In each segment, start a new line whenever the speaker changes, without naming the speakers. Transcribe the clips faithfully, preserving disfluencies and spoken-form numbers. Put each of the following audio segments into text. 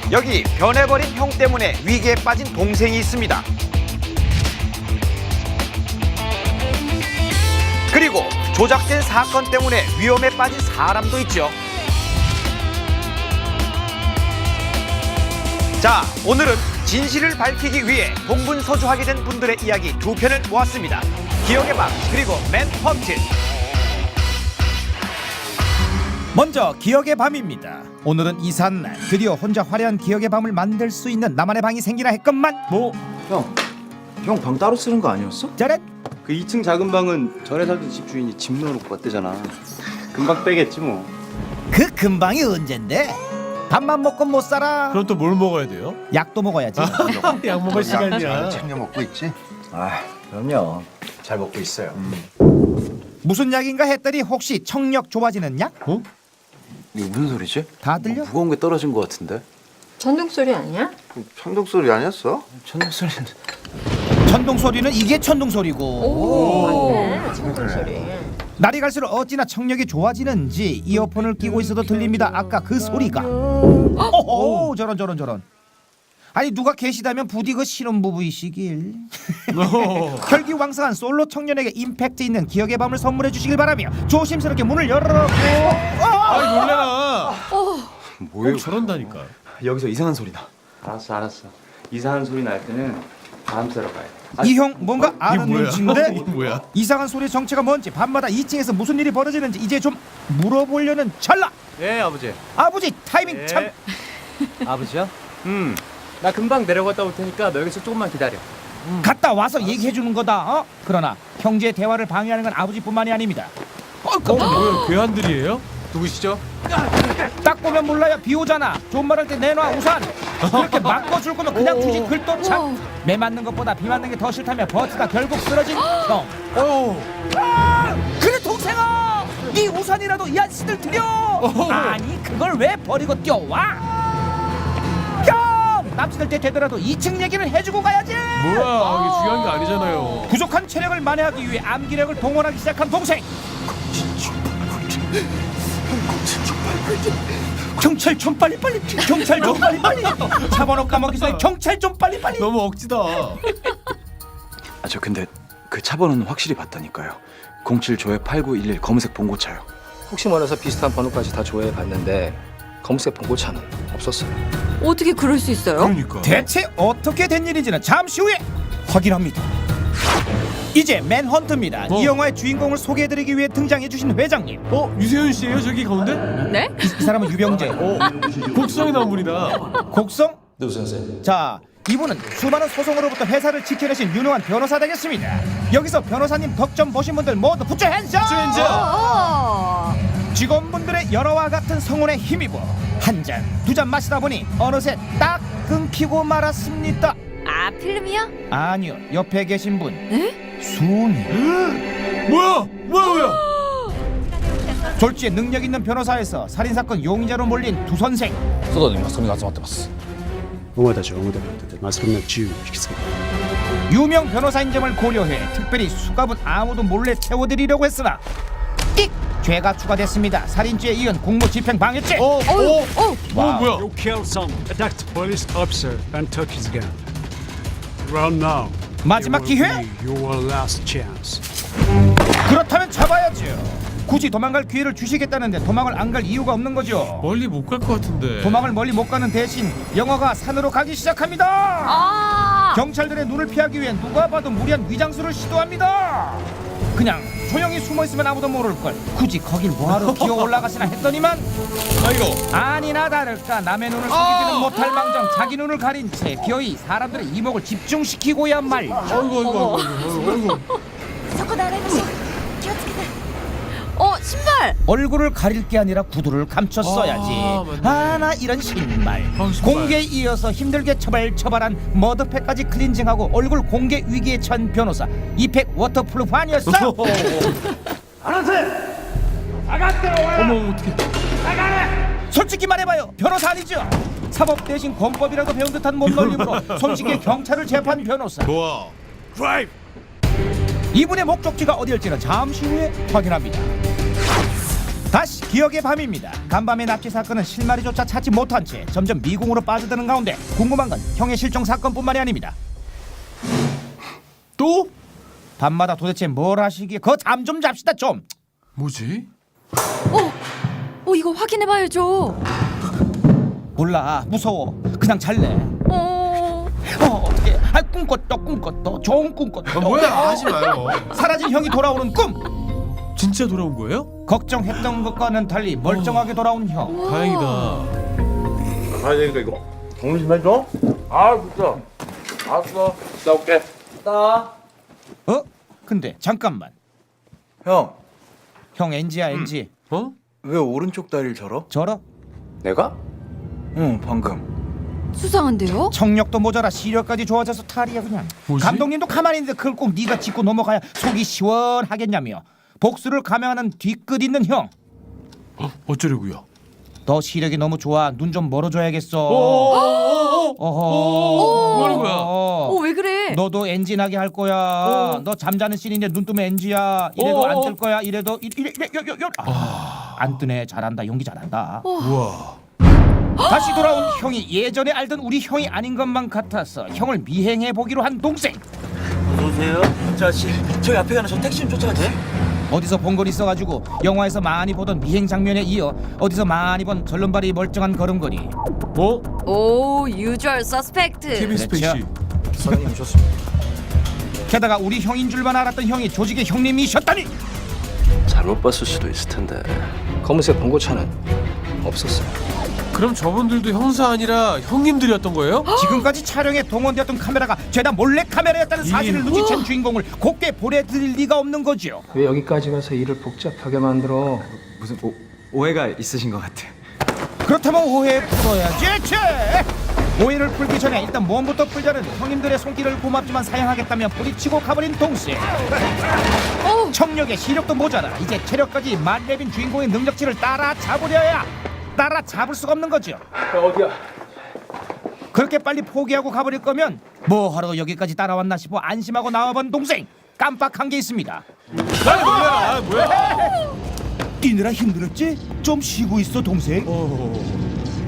여기 변해버린 형 때문에 위기에 빠진 동생이 있습니다. 그리고 조작된 사건 때문에 위험에 빠진 사람도 있죠. 자, 오늘은 진실을 밝히기 위해 동분서주하게 된 분들의 이야기 두 편을 모았습니다. 기억의 밤 그리고 맨헌트. 먼저 기억의 밤입니다. 오늘은 이삿날 드디어 혼자 화려한 기억의 밤을 만들 수 있는 나만의 방이 생기나 했건만
뭐? 형, 형 방 따로 쓰는 거 아니었어?
짜란!
그 이 층 작은 방은 전에 살던 집 주인이 집 넣어놓고 갔대잖아. 금방 빼겠지 뭐.
그 근방이 언젠데? 밥만 먹고 못 살아.
그럼 또 뭘 먹어야 돼요?
약도 먹어야지.
약 먹을 시간이야.
챙겨 먹고 있지?
아, 그럼요. 잘 먹고 있어요.
무슨 약인가 했더니 혹시 청력 좋아지는 약?
어?
이거 무슨 소리지?
다 들려?
뭐 무거운 게 떨어진 것 같은데?
천둥 소리 아니야?
천둥 소리 아니었어?
천둥 소리는.
천둥 소리는 이게 천둥 소리고.
오, 맞네. 천둥 소리.
날이 갈수록 어찌나 청력이 좋아지는지 이어폰을 끼고 있어도 들립니다. 아까 그 소리가.
어?
오, 저런 저런 저런. 아니 누가 계시다면 부디 그 신혼부부이시길. 혈기왕성한 솔로 청년에게 임팩트 있는 기억의 밤을 선물해 주시길 바라며 조심스럽게 문을 열어놓고.
아이 놀래라.
뭐예요?
꼭 저런다니까.
여기서 이상한 소리 나. 알았어, 알았어. 이상한 소리 날 때는 바람 쐬러 가야 돼.
이 형 뭔가 아는
뭐야?
눈치인데
이게 뭐야?
이상한 소리의 정체가 뭔지 밤마다 이 층에서 무슨 일이 벌어지는지 이제 좀 물어보려는 찰나.
예, 아버지.
아버지 타이밍
예.
참.
아버지야? 음. 나 금방 내려갔다 올 테니까 너 여기서 조금만 기다려.
갔다 와서 얘기해 주는 거다. 어? 그러나 형제의 대화를 방해하는 건 아버지뿐만이 아닙니다. 어, 깜짝이야.
뭐야? 괴한들이에요?
누구시죠?
딱 보면 몰라요. 비 오잖아. 좋은 말 할 때 내놔 우산. 그렇게 막아줄 거면 그냥 주지 글도착. 매 맞는 것보다 비 맞는 게 더 싫다며 버티다 결국 쓰러진 형.
어.
아, 그래 동생아, 네 우산이라도 이 아저씨들 드려. 아니 그걸 왜 버리고 뛰어와? 형, 남친들 때 되더라도 이 층 얘기를 해주고 가야지.
뭐야? 이게 중요한 게 아니잖아요.
부족한 체력을 만회하기 위해 암기력을 동원하기 시작한 동생. 경찰 좀 빨리 빨리. 경찰 좀 빨리 빨리. 차 번호 까먹기 전에 경찰 좀 빨리 빨리.
너무 억지다.
아, 저 근데 그 차 번호는 확실히 봤다니까요. 공칠 조회 팔구일일 검은색 봉고차요.
혹시 몰라서 비슷한 번호까지 다 조회해 봤는데 검은색 봉고차는 없었어요.
어떻게 그럴 수 있어요?
그러니까.
대체 어떻게 된 일인지는 잠시 후에 확인합니다. 이제 맨헌트입니다.
어.
이 영화의 주인공을 소개해드리기 위해 등장해주신 회장님.
어? 유세윤 씨예요? 저기 가운데?
네?
이, 이 사람은 유병재.
어. 곡성에 나온 분이다.
곡성? 네 선생님. 자, 이분은 수많은 소송으로부터 회사를 지켜내신 유능한 변호사 되겠습니다. 여기서 변호사님 덕 좀 보신 분들 모두 붙여 핸즈업!
어.
직원분들의 열화와 같은 성원에 힘입어 한 잔, 두 잔 마시다 보니 어느새 딱 끊기고 말았습니다.
아, 필름이요?
아니요, 옆에 계신 분.
네?
순이.
뭐야? 뭐야 뭐야?
졸지에 능력 있는 변호사에서 살인사건 용의자로 몰린 두 선생.
外にマスコミが集まってます。
お前たちは表に立っててマスコミの注意を引きつける。
유명 변호사인 점을 고려해 특별히 수갑은 아무도 몰래 채워드리려고 했으나 띡! 죄가 추가됐습니다. 살인죄에 이은 공무집행 방해죄.
어? 어?
어, 어.
어 뭐야?
You killed someone, attacked a police officer, and took his gun. Run now.
마지막
It will
기회?
be your last chance.
그렇다면 잡아야죠. 굳이 도망갈 기회를 주시겠다는데 도망을 안 갈 이유가 없는 거죠.
멀리 못 갈 것 같은데.
도망을 멀리 못 가는 대신 영화가 산으로 가기 시작합니다.
아.
경찰들의 눈을 피하기 위해 누가 봐도 무리한 위장수를 시도합니다. 그냥 조용히 숨어 있으면 아무도 모를 걸. 굳이 거길 뭐하러 기어 올라가시나 했더니만
아이고.
아니나 다를까 남의 눈을 속이지는 못할 망정 자기 눈을 가린 채 기어이 사람들의 이목을 집중시키고야 말죠.
아이고 아이고 아이고 아이고.
어, 신발.
얼굴을 가릴 게 아니라 구두를 감췄어야지.
아, 맞네.
아, 나 이런 신발.
아, 신발.
공개에 이어서 힘들게 처발처발한 머드팩까지 클렌징하고 얼굴 공개 위기에 처한 변호사. 이팩 워터프루프 아니었어?
어머 어떡해.
솔직히 말해봐요. 변호사 아니죠? 사법 대신 권법이라도 배운 듯한 몸놀림으로 손쉽게 경찰을 제압한 변호사.
좋아. 드라이브.
이분의 목적지가 어디일지는 잠시 후에 확인합니다. 다시 기억의 밤입니다. 간밤의 납치 사건은 실마리조차 찾지 못한 채 점점 미궁으로 빠져드는 가운데 궁금한 건 형의 실종 사건뿐만이 아닙니다.
또?
밤마다 도대체 뭘 하시기에 그 잠 좀 잡시다 좀.
뭐지?
어, 어 이거 확인해봐야죠.
몰라 무서워 그냥 잘래.
어,
어 어떻게 아 꿈꿨다 꿈꿨다 좋은 꿈꿨다.
아, 뭐야 하지 마요.
사라진 형이 돌아오는 꿈.
진짜 돌아온 거예요?
걱정했던 것과는 달리 멀쩡하게 돌아온 형.
다행이다.
가야 되니까 이거 정리 좀 해줘. 아 진짜. 알았어. 싸울게.
어? 근데 잠깐만.
형,
형 엔지야 엔지.
어?
왜 오른쪽 다리를 절어?
저러?
내가?
응, 방금.
수상한데요?
청력도 모자라 시력까지 좋아져서 탈이야 그냥.
뭐지?
감독님도 가만히 있는데 그걸 꼭 네가 짚고 넘어가야 속이 시원하겠냐며. 복수를 감행하는 뒤끝 있는 형.
어? 어쩌려고요?
너 시력이 너무 좋아. 눈 좀 멀어줘야겠어.
어어어어어.
어허.
뭐 하는 거야?
어, 왜 그래?
너도 엔진하게 할 거야. 너 잠자는 씬인데 눈 뜨면 엔지야. 이래도 안 뜰 거야. 이래도 이- 이래 이래 요, 요, 요. 아, 안 뜨네. 잘한다. 연기 잘한다.
우와.
다시 돌아온 형이 예전에 알던 우리 형이 아닌 것만 같아서 형을 미행해 보기로 한 동생.
어서오세요. 저 아저씨, 저희 앞에 가는 저 택시 좀 쫓아가도 돼?
어디서 본 걸 있어가지고 영화에서 많이 보던 미행 장면에 이어 어디서 많이 본 절름발이 멀쩡한 걸음걸이.
어?
오, 유주얼 서스펙트.
케빈 스페이시.
선생님 오셨습니다.
게다가 우리 형인 줄만 알았던 형이 조직의 형님이셨다니.
잘못 봤을 수도 있을 텐데. 검은색 봉고차는 없었어요.
그럼 저분들도 형사 아니라 형님들이었던 거예요?
지금까지 촬영에 동원되었던 카메라가 죄다 몰래 카메라였다는 사실을
이-
눈치챈 주인공을 곱게 보내드릴 리가 없는 거죠.
왜 여기까지 가서 일을 복잡하게 만들어?
무슨 오, 오해가 있으신 것 같아.
그렇다면 오해 풀어야지. 제 오해를 풀기 전에 일단 몸부터 풀자는 형님들의 손길을 고맙지만 사양하겠다며 부딪히고 가버린 동생. 청력에 시력도 모자라 이제 체력까지 만렙인 주인공의 능력치를 따라잡으려야 따라잡을 수가 없는 거죠.
어디야?
그렇게 빨리 포기하고 가버릴 거면 뭐하러 여기까지 따라왔나 싶어 안심하고 나와본 동생. 깜빡한 게 있습니다.
아니 뭐야? 아, 뭐야?
뛰느라 힘들었지? 좀 쉬고 있어 동생.
어.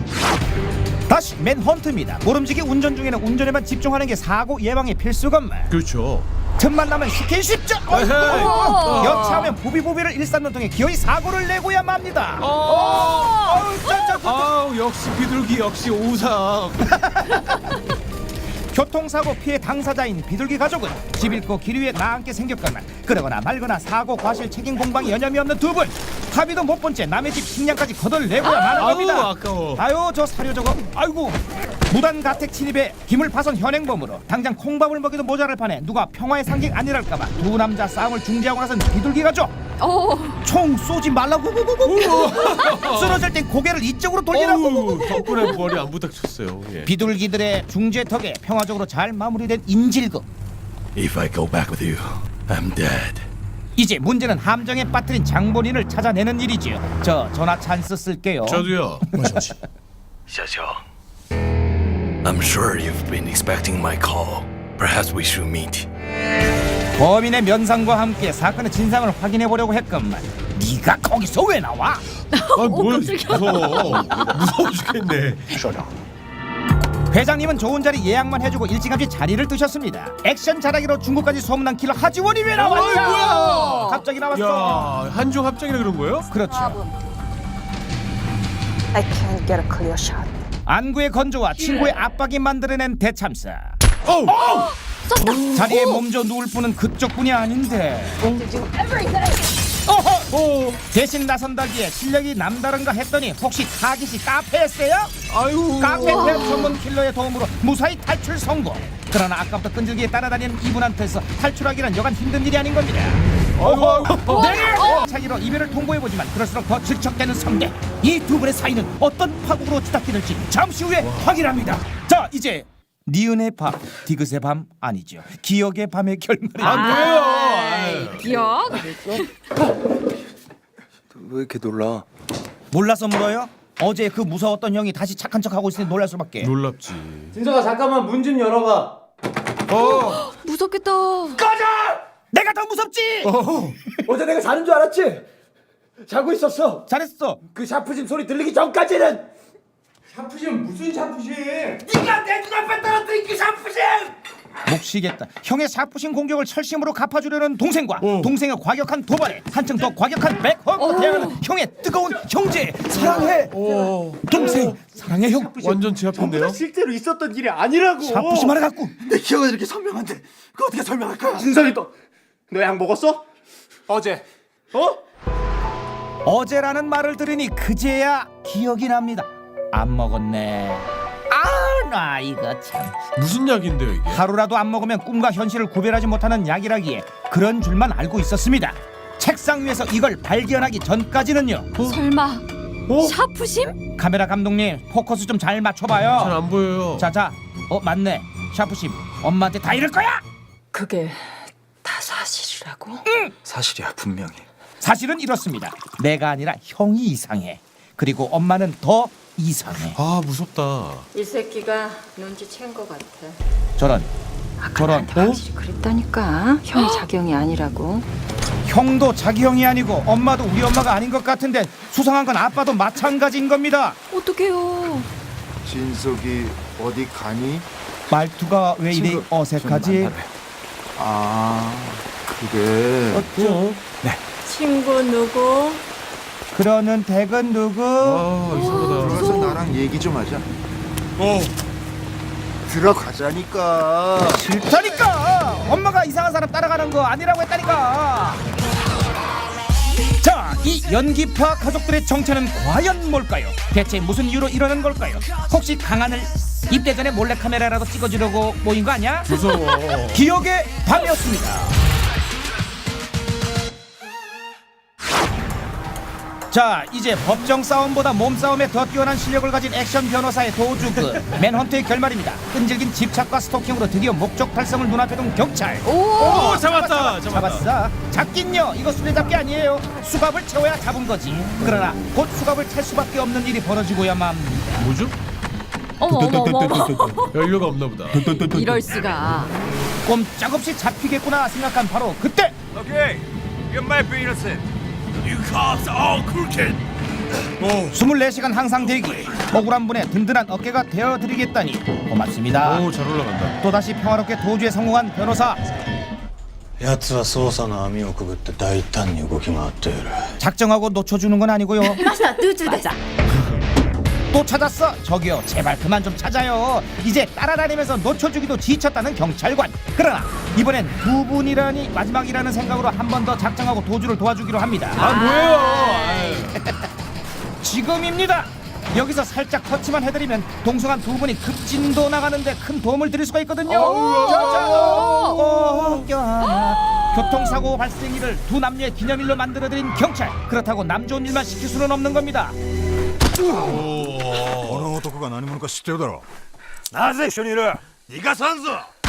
다시 맨헌트입니다. 모름지기 운전 중에는 운전에만 집중하는 게 사고 예방의 필수 건물.
그렇죠.
틈만 나면 스킨십 죠.
에헤이.
여차하면 보비보비를 일삼는 통에 기어이 사고를 내고야 맙니다.
어.
어우, 저, 저, 저.
아우 역시 비둘기 역시 오상.
교통사고 피해 당사자인 비둘기 가족은 집 잃고 길 위에 나앉게 생겼거나 그러거나 말거나 사고 과실 책임 공방에 여념이 없는 두 분. 합의도 못 본 채 남의 집 식량까지 거덜내고야 마는 겁니다.
아우 아까워.
아유 저 사료 저거 아이고 무단 가택 침입에 기물 파손 현행범으로 당장 콩밥을 먹여도 모자랄 판에 누가 평화의 상징 아니랄까봐 두 남자 싸움을 중지하고 나선 비둘기 가족.
어,
총 쏘지 말라고 쓰러질 땐 고개를 이쪽으로 돌리라고.
어우, 덕분에 머리 안 부닥쳤어요. 예.
비둘기들의 중재 덕에 평화적으로 잘 마무리된 인질극.
If I go back with you, I'm dead.
이제 문제는 함정에 빠뜨린 장본인을 찾아내는 일이지요. 저 전화 찬스 쓸게요.
저도요.
샤샤. I'm sure you've been expecting my call. Perhaps we should meet.
범인의 면상과 함께 사건의 진상을 확인해 보려고 했건만 네가 거기서 왜 나와?
아뭘 무서워. 무서워 죽겠네.
회장님은 좋은 자리 예약만 해주고 일찌감치 자리를 뜨셨습니다. 액션 잘하기로 중국까지 소문난 킬러 하지원이 왜 나왔냐?
어이, 뭐야?
갑자기 나왔어.
야 한중 합작이라 그런 거예요?
그렇죠.
I can't get a clear shot.
안구의 건조와 친구의 압박이 만들어낸 대참사.
어우.
자리에 몸져 누울 뿐은 그쪽뿐이 아닌데. 어허! 대신 나선다기에 실력이 남다른가 했더니 혹시 타깃이 카페였어요?
아유.
카페 팬 전문 킬러의 도움으로 무사히 탈출 성공. 그러나 아까부터 끈질기게 따라다니는 이분한테서 탈출하기란 여간 힘든 일이 아닌 겁니다.
아이고.
네! 차기로 이별을 통보해보지만 그럴수록 더 질척대는 상대. 이 두 분의 사이는 어떤 파국으로 뒤덮이는지 잠시 후에 확인합니다. 자, 이제 니은의 밤, 디귿의 밤 아니죠. 기억의 밤의 결말이.
아 뭐예요?
아이, 기억?
왜 이렇게 놀라?
몰라서 물어요? 어제 그 무서웠던 형이 다시 착한 척하고 있으니 놀랄 수밖에.
놀랍지.
진서가 잠깐만 문 좀 열어봐.
어.
무섭겠다.
꺼져! 내가 더 무섭지.
어.
어제 내가 자는 줄 알았지?
자고 있었어.
잘했어.
그 샤프심 소리 들리기 전까지는.
샤프심 무슨 샤프심?
네가 내 눈앞에 떨어뜨린 그 샤프심.
목 쉬겠다. 형의 샤프신 공격을 철심으로 갚아주려는 동생과 동생의 과격한 도발에 한층 더 과격한 백허그로 대항하는 형의 뜨거운 형제 사랑해. 동생 사랑해 형.
완전 제 앞인데요?
실제로 있었던 일이 아니라고.
샤프신 하나 갖고
내 기억은 이렇게 선명한데 그거 어떻게 설명할 거야? 진석이 또 너 약 먹었어?
어제.
어?
어제라는 말을 들으니 그제야 기억이 납니다. 안 먹었네. 아 나 이거 참.
무슨 약인데요 이게?
하루라도 안 먹으면 꿈과 현실을 구별하지 못하는 약이라기에 그런 줄만 알고 있었습니다. 책상 위에서 이걸 발견하기 전까지는요.
설마 샤프심?
카메라 감독님 포커스 좀 잘 맞춰봐요.
잘 안 보여요.
자자. 어 맞네. 샤프심 엄마한테 다 이럴 거야.
그게 다 사실이라고?
사실이야 분명히.
사실은 이렇습니다. 내가 아니라 형이 이상해. 그리고 엄마는 더 이상해.
아 무섭다.
이 새끼가 눈치챈 것 같아.
저런 저런.
나한테 확실히 그랬다니까. 형이 자기 형이 아니라고.
형도 자기 형이 아니고 엄마도 우리 엄마가 아닌 것 같은데 수상한 건 아빠도 마찬가지인 겁니다.
어떡해요.
진석이 어디 가니?
말투가 왜 이리
친구
어색하지?
좀 만나래.
아, 그게
어쩌?
친구 누구?
그러는 댁은 누구?
아 이상하다.
들어가서 나랑 얘기 좀 하자.
어.
들어가자니까.
싫다니까. 엄마가 이상한 사람 따라가는 거 아니라고 했다니까. 자, 이 연기파 가족들의 정체는 과연 뭘까요? 대체 무슨 이유로 이러는 걸까요? 혹시 강한을 입대 전에 몰래카메라라도 찍어주려고 모인 거 아니야?
무서워.
기억의 밤이었습니다. 자, 이제 법정 싸움보다 몸싸움에 더 뛰어난 실력을 가진 액션 변호사의 도주그 맨헌트의 결말입니다. 끈질긴 집착과 스토킹으로 드디어 목적 달성을 눈앞에 둔 경찰.
오 잡았다. 잡았다.
잡았어. 잡긴요. 이거 수레잡기 아니에요. 수갑을 채워야 잡은 거지. 그러나 곧 수갑을 찰 수밖에 없는 일이 벌어지고야만.
뭐죠?
어머 어머 어머 어머.
연료가 없나 보다.
이럴 수가.
꼼짝없이 잡히겠구나 생각한 바로 그때.
Okay, you might be innocent. You cops all crooked.
스물네 시간 항상 대기. 억울한 분의 든든한 어깨가 되어드리겠다니 고맙습니다.
오 잘 올라간다.
또다시 평화롭게 도주에 성공한 변호사.
奴は捜査の網をくぐって大胆に動き回っている
작정하고 놓쳐주는 건 아니고요.
맞아 뚜주 맞아.
또 찾았어? 저기요 제발 그만 좀 찾아요. 이제 따라다니면서 놓쳐주기도 지쳤다는 경찰관. 그러나 이번엔 두 분이라니 마지막이라는 생각으로 한 번 더 작정하고 도주를 도와주기로 합니다.
아 뭐예요?
지금입니다. 여기서 살짝 터치만 해드리면 동성한 두 분이 급진도 나가는데 큰 도움을 드릴 수가 있거든요. 자자, 어, 껴안아. 교통사고 발생일을 두 남녀의 기념일로 만들어드린 경찰. 그렇다고 남 좋은 일만 시킬 수는 없는 겁니다.
この男が何者か知ってるだろう。なぜ一緒にいる？逃がさんぞ。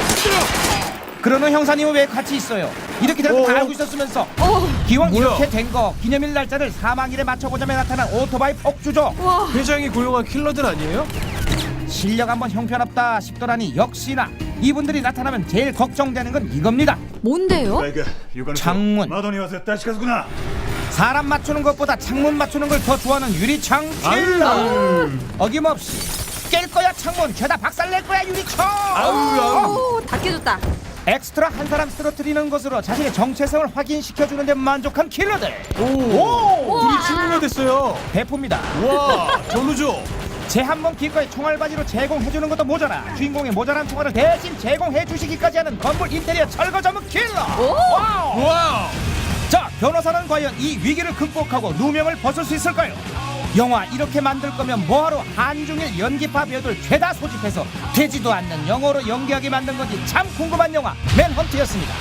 그러는 형사님은 왜 같이 있어요? 이렇게 될 거 다 알고 있었으면서. 기왕
뭐야?
이렇게 된 거 기념일 날짜를 사망일에 맞춰보자며 나타난 오토바이 폭주죠.
회장이 고용한 킬러들 아니에요?
실력 한번 형편없다 싶더라니 역시나 이분들이 나타나면 제일 걱정되는 건 이겁니다.
뭔데요?
창문.
窓には絶対近づくな。
사람 맞추는 것보다 창문 맞추는 걸 더 좋아하는 유리창 킬러. 어김없이 깰 거야 창문, 죄다 박살낼 거야 유리창.
오, 다 깨졌다.
엑스트라 한 사람 쓰러뜨리는 것으로 자신의 정체성을 확인시켜주는 데 만족한 킬러들.
오. 오. 둘이 친구가 됐어요.
배포입니다.
와 전우죠.
제 한 번 기꺼이 총알바지로 제공해주는 것도 모자라 주인공의 모자란 총알을 대신 제공해주시기까지 하는 건물 인테리어 철거 전문 킬러. 와우.
와.
자, 변호사는 과연 이 위기를 극복하고 누명을 벗을 수 있을까요? 영화 이렇게 만들 거면 뭐하러 한중일 연기파 배우들 죄다 소집해서 되지도 않는 영어로 연기하게 만든 건지 참 궁금한 영화 맨헌트였습니다.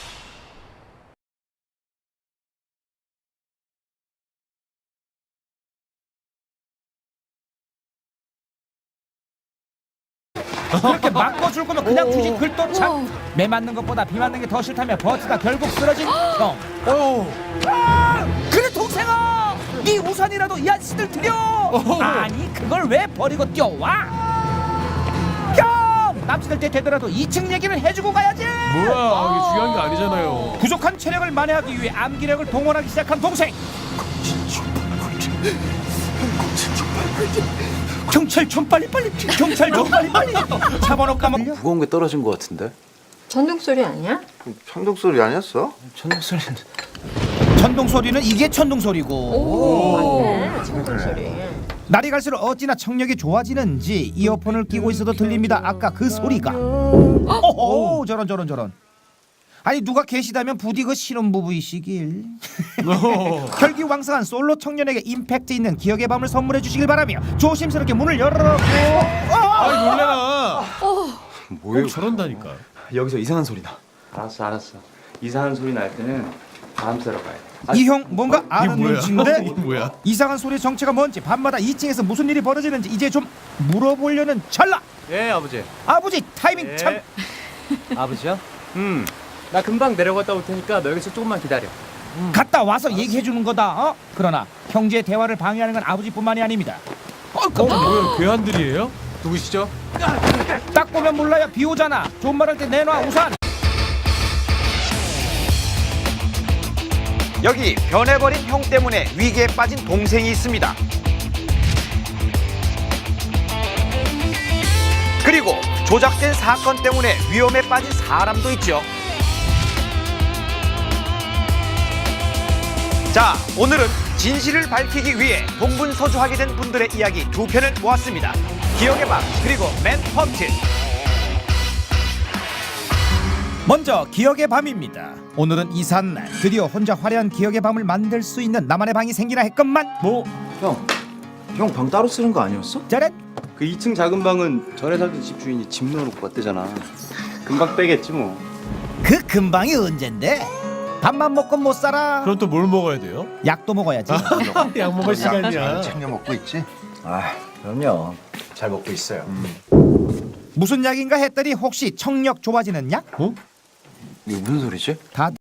그렇게 바꿔줄 거면 그냥 주지 글도 참. 매 맞는 것보다 비 맞는 게 더 싫다며 버스가 결국 쓰러진 형. 아, 그래 동생아, 네 우산이라도 이 아저씨들 드려. 아니 그걸 왜 버리고 뛰어와? 형, 납치될 때 되더라도 이 층 얘기는 해주고 가야지.
뭐야 이게 중요한 게 아니잖아요.
부족한 체력을 만회하기 위해 암기력을 동원하기 시작한 동생. 경찰 좀 빨리 빨리 경찰 좀 빨리 빨리 차번호 까먹
무거운 게 떨어진 것 같은데?
전동 소리 아니야?
천둥 소리 아니었어?
천둥 소리는
천둥 소리는 이게 천둥 소리고
맞네. 전동 소리.
날이 갈수록 어찌나 청력이 좋아지는지 이어폰을 끼고 있어도 들립니다. 아까 그 소리가. 오호 저런 저런 저런. 아니 누가 계시다면 부디 그 신혼부부이시길. 혈기왕성한 솔로 청년에게 임팩트 있는 기억의 밤을 선물해 주시길 바라며 조심스럽게 문을 열어놓고
아 놀래라.
뭐예요?
꼭 저런다니까.
여기서 이상한 소리 나.
알았어 알았어. 이상한 소리 날 때는 바람 쐬러 가야 돼.
이 형 뭔가 아는
뭐야?
눈치인데
이게 뭐야?
이상한 소리의 정체가 뭔지 밤마다 이 층에서 무슨 일이 벌어지는지 이제 좀 물어보려는 찰나.
예 아버지.
아버지 타이밍 참.
아버지야? 음. 나 금방 내려갔다 올 테니까 너 여기서 조금만 기다려.
갔다 와서 얘기해 주는 거다. 어? 그러나 형제의 대화를 방해하는 건 아버지뿐만이 아닙니다. 어,
어 뭐야 괴한들이에요?
누구시죠?
딱 보면 몰라요. 비 오잖아. 좋은 말 할 때 내놔 우산. 여기 변해버린 형 때문에 위기에 빠진 동생이 있습니다. 그리고 조작된 사건 때문에 위험에 빠진 사람도 있죠. 자, 오늘은 진실을 밝히기 위해 동분서주하게 된 분들의 이야기 두 편을 모았습니다. 기억의 밤 그리고 맨퍼트. 먼저 기억의 밤입니다. 오늘은 이삿 날 드디어 혼자 화려한 기억의 밤을 만들 수 있는 나만의 방이 생기나 했건만
뭐? 형, 형 방 따로 쓰는 거 아니었어?
짜렛.
그 이 층 작은 방은 전에 살던 집 주인이 집 넣어놓고 갔대잖아. 금방 빼겠지 뭐.
그 근방이 언젠데? 밥만 먹고 못 살아.
그럼 또 뭘 먹어야 돼요?
약도 먹어야지.
약 먹을 시간이야.
챙겨 먹고 있지?
아, 그럼요. 잘 먹고 있어요.
무슨 약인가 했더니 혹시 청력 좋아지는 약?
이게 무슨 소리지?
다